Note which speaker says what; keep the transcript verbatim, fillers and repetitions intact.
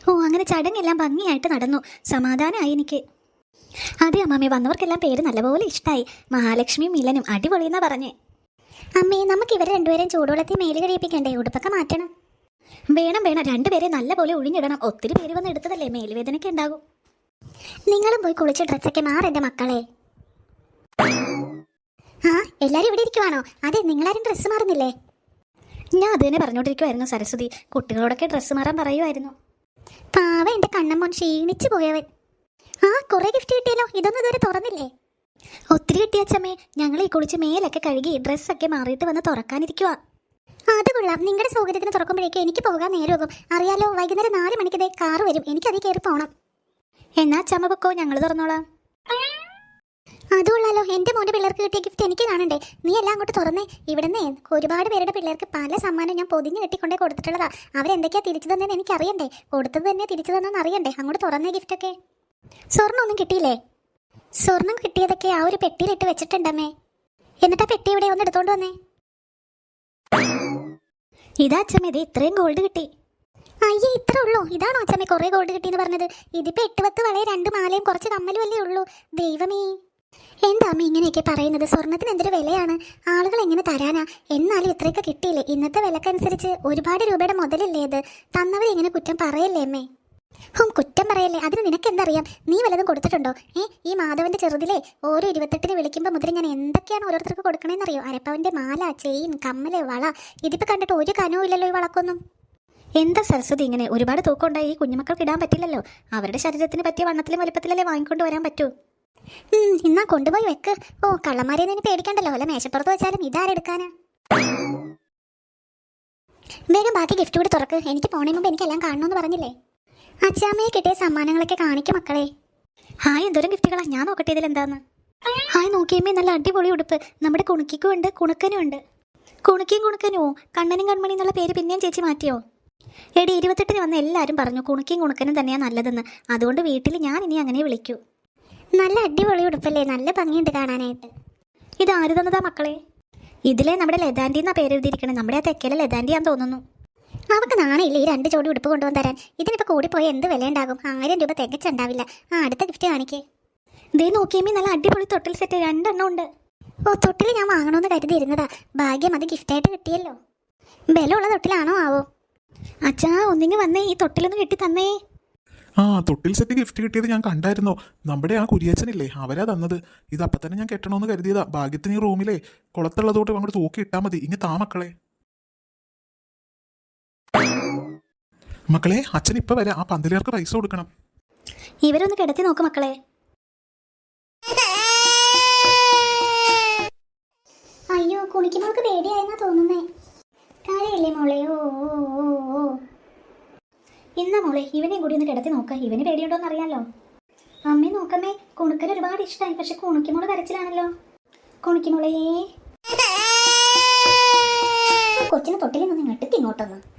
Speaker 1: ഓ അങ്ങനെ ചടങ്ങെല്ലാം ഭംഗിയായിട്ട് നടന്നു. സമാധാനമായി എനിക്ക്. അതെ അമ്മാമ്മേ, വന്നവർക്കെല്ലാം പേര് നല്ലപോലെ ഇഷ്ടമായി. മഹാലക്ഷ്മിയും മിലനും അടിപൊളിയെന്നാ പറഞ്ഞേ. അമ്മേ, നമുക്ക് ഇവരെ രണ്ടുപേരും ചൂടുവെള്ളത്തിൽ മേല് കഴിപ്പിക്കണ്ടേ? ഉടുപ്പൊക്കെ മാറ്റണം. വേണം വേണം, രണ്ടുപേരെ നല്ലപോലെ ഒഴിഞ്ഞിടണം. ഒത്തിരി പേര് വന്ന് എടുത്തതല്ലേ, മേലുവേദനയ്ക്ക് ഉണ്ടാകും. നിങ്ങളും പോയി കുളിച്ച് ഡ്രസ്സൊക്കെ മാറെൻ്റെ മക്കളെ. ആ, എല്ലാരും ഇവിടെ ഇരിക്കുവാണോ? അതെ, നിങ്ങളാരും ഡ്രസ്സ് മാറുന്നില്ലേ? ഞാൻ അത് തന്നെ പറഞ്ഞോണ്ടിരിക്കുവായിരുന്നു സരസ്വതി. കുട്ടികളോടൊക്കെ ഡ്രസ്സ് മാറാൻ പറയുമായിരുന്നു. പാവ എൻ്റെ കണ്ണമ്മോൻ ക്ഷീണിച്ചു പോയവൻ. ആ, കുറെ ഗിഫ്റ്റ് കിട്ടിയല്ലോ. ഇതൊന്നും ഇതുവരെ തുറന്നില്ലേ? ഒത്തിരി കിട്ടിയച്ചമ്മേ. ഞങ്ങൾ ഈ കുളിച്ച് മേലൊക്കെ കഴുകി ഡ്രസ്സൊക്കെ മാറിയിട്ട് വന്ന് തുറക്കാനിരിക്കുക. അത് കൊള്ളാം. നിങ്ങളുടെ സൗകര്യത്തിന് തുറക്കുമ്പോഴേക്കും എനിക്ക് പോകാൻ നേരമാകും. അറിയാലോ, വൈകുന്നേരം നാല് മണിക്കതേ കാറ് വരും. എനിക്കതിൽ കയറി പോകണം. എന്നാ ചമ്മ പൊക്കോ, ഞങ്ങൾ തുറന്നോളാം. അതുകൊള്ളാലോ, എൻ്റെ മോൻ്റെ പിള്ളേർക്ക് കിട്ടിയ ഗിഫ്റ്റ് എനിക്ക് കാണണ്ടേ? നീ എല്ലാം അങ്ങോട്ട് തുറന്നേ. ഇവിടുന്ന് ഒരുപാട് പേരുടെ പിള്ളേർക്ക് പല സമ്മാനം ഞാൻ പൊതിഞ്ഞ് കെട്ടിക്കൊണ്ടേ കൊടുത്തിട്ടുള്ളതാ. അവരെന്തൊക്കെയാ തിരിച്ചു തന്നതെന്ന് എനിക്കറിയണ്ടേ. കൊടുത്തത് തന്നെ തിരിച്ചു തന്നെന്ന് അറിയണ്ടേ. അങ്ങോട്ട് തുറന്നേ ഗിഫ്റ്റൊക്കെ. സ്വർണ്ണം ഒന്നും കിട്ടിയില്ലേ? സ്വർണം കിട്ടിയതൊക്കെ ആ ഒരു പെട്ടിയിലിട്ട് വെച്ചിട്ടുണ്ടമ്മേ. എന്നിട്ടാ പെട്ടി ഇവിടെ ഒന്ന് എടുത്തോണ്ട് വന്നേ. ഇതാ അച്ഛമ്മ, ഇത് ഇത്രയും ഗോൾഡ് കിട്ടി. അയ്യേ, ഇത്ര ഉള്ളൂ? ഇതാണോ അച്ഛമ്മ കുറെ ഗോൾഡ് കിട്ടിയെന്ന് പറഞ്ഞത്? ഇതിപ്പോ എട്ട് പത്ത് വളയെ രണ്ട് മാലയും കുറച്ച് കമ്മലും അല്ലേ ഉള്ളൂ. ദൈവമേ, എന്താ അമ്മ ഇങ്ങനെയൊക്കെ പറയുന്നത്? സ്വർണത്തിന് എന്തൊരു വിലയാണ്. ആളുകൾ എങ്ങനെ തരാനാ? എന്നാലും ഇത്രയൊക്കെ കിട്ടിയില്ലേ? ഇന്നത്തെ വിലക്കനുസരിച്ച് ഒരുപാട് രൂപയുടെ മുതലല്ലേ ഇത്. തന്നവരെങ്ങനെ കുറ്റം പറയല്ലേ അമ്മേ? ഹും, കുറ്റം പറയല്ലേ. അതിന് നിനക്കെന്തറിയാം? നീ വല്ലതും കൊടുത്തിട്ടുണ്ടോ? ഏ ഈ മാധവന്റെ ചെറുതിലെ ഓരോ ഇരുപത്തെട്ടിന് വിളിക്കുമ്പോൾ മുതൽ ഞാൻ എന്തൊക്കെയാണ് ഓരോരുത്തർക്ക് കൊടുക്കണേന്നറിയോ? അരപ്പവന്റെ മാല, ചെയിൻ, കമ്മല്, വള. ഇതിപ്പോൾ കണ്ടിട്ട് ഒരു കനവും ഇല്ലല്ലോ ഈ വളക്കൊന്നും. എന്താ സരസ്വതി ഇങ്ങനെ? ഒരുപാട് തൂക്കം ഉണ്ടായി ഈ കുഞ്ഞുമക്കൾക്ക് ഇടാൻ പറ്റില്ലല്ലോ. അവരുടെ ശരീരത്തിന് പറ്റിയ വണ്ണത്തിലും വലുപ്പത്തിലല്ലേ വാങ്ങിക്കൊണ്ട് വരാൻ പറ്റൂ. ഇന്നാ കൊണ്ടുപോയി വെക്ക്. ഓ, കള്ളന്മാരെ നിന്നെ പേടിക്കണ്ടല്ലോ. അല്ല മേശപ്പുറത്ത് വെച്ചാലും ഇതാരെടുക്കാനാ? വേഗം ബാക്കി ഗിഫ്റ്റ് കൂടി തുറക്ക്. എനിക്ക് പോണേ മുമ്പ് എനിക്കെല്ലാം കാണണമെന്ന് പറഞ്ഞില്ലേ? അച്ഛാമ്മയെ കിട്ടിയ സമ്മാനങ്ങളൊക്കെ കാണിക്കും മക്കളെ. ഹായ്, എന്തോരം ഗിഫ്റ്റുകളാ. ഞാൻ നോക്കട്ടെ ഇതിലെന്താന്ന്. ഹായ്, നോക്കിയമ്മേ, നല്ല അടിപൊളി ഉടുപ്പ്. നമ്മുടെ കുണുക്കിക്കും ഉണ്ട്, കുണുക്കനും ഉണ്ട്. കുണുക്കിയും കുണുക്കനുമോ? കണ്ണനും കൺമണി എന്നുള്ള പേര് പിന്നെയും ചേച്ചി മാറ്റിയോ? എടി, ഇരുപത്തെട്ടിന് വന്ന് എല്ലാവരും പറഞ്ഞു കുണുക്കിയും കുണുക്കനും തന്നെയാണ് നല്ലതെന്ന്. അതുകൊണ്ട് വീട്ടിൽ ഞാൻ ഇനി അങ്ങനെ വിളിക്കൂ. നല്ല അടിപൊളി ഉടുപ്പല്ലേ, നല്ല ഭംഗിയുണ്ട് കാണാനായിട്ട്. ഇത് ആര് തന്നതാ മക്കളെ? ഇതിലെ നമ്മുടെ ലതാൻഡി എന്നാ പേര് എഴുതിയിരിക്കണം. നമ്മുടെ ആ തെക്കലെ ലതാൻഡിയാന്ന് തോന്നുന്നു. അവർക്ക് നാണയില്ല ഈ രണ്ട് ജോഡി ഉടുപ്പ് കൊണ്ടുവന്ന് തരാൻ. ഇതിനിപ്പോൾ കൂടിപ്പോയി എന്ത് വില ഉണ്ടാകും? ആയിരം രൂപ തികച്ചുണ്ടാവില്ല. ആ, അടുത്ത ഗിഫ്റ്റ് കാണിക്കേ. ദേ നോക്കിയമ്മേ, നല്ല അടിപൊളി തൊട്ടിൽ സെറ്റ് രണ്ടെണ്ണം ഉണ്ട്. ഓ, തൊട്ടിൽ ഞാൻ വാങ്ങണമെന്ന് കരുതിയിരുന്നതാ. ഭാഗ്യം, അത് ഗിഫ്റ്റായിട്ട് കിട്ടിയല്ലോ. ബലമുള്ള തൊട്ടിലാണോ ആവോ? അച്ഛാ, ഒന്നിങ്ങ് വന്നേ, ഈ തൊട്ടിലൊന്ന് കെട്ടി തന്നേ.
Speaker 2: ആ, തൊട്ടിൽ സെറ്റ് ഗിഫ്റ്റ് കിട്ടിയത് ഞാൻ കണ്ടായിരുന്നോ? നമ്മുടെ ആ കുരിയച്ചനില്ലേ, അവരാ തന്നത്. ഇത് അപ്പം തന്നെ ഞാൻ കെട്ടണമെന്ന് കരുതിയതാ. ഭാഗ്യത്തിന് ഈ റൂമിലെ കുളത്തുള്ളതോട്ട് അങ്ങോട്ട് തൂക്കി ഇട്ടാൽ മതി. ഇനി താ മക്കളെ. മക്കളെ, അച്ഛൻ ഇപ്പൊ വരാം. ആ പന്തലുകാർക്ക് പൈസ കൊടുക്കണം.
Speaker 1: ഇവരൊന്ന് കിടത്തി നോക്ക് മക്കളെ. അയ്യോ, കുണിക്കുമ്പോൾക്ക് പേടിയായെന്നാ തോന്നുന്നേ. കാര്യമില്ലേ മോളെ? ഓ ഓ ഓ ഇന്ന മോളെ, ഇവനെയും കൂടി ഒന്ന് കിടത്തി നോക്ക. ഇവന് പേടിയുണ്ടോന്ന് അറിയാലോ. അമ്മേ നോക്കമ്മേ, കുണുക്കന് ഒരുപാട് ഇഷ്ടമായി. പക്ഷെ കുണുക്കിമോള് കരച്ചിലാണല്ലോ. കുണുക്കിമോളേ, കൊച്ചിന് തൊട്ടിൽ നിന്ന് ഇങ്ങോട്ട് ഇങ്ങോട്ടൊന്ന്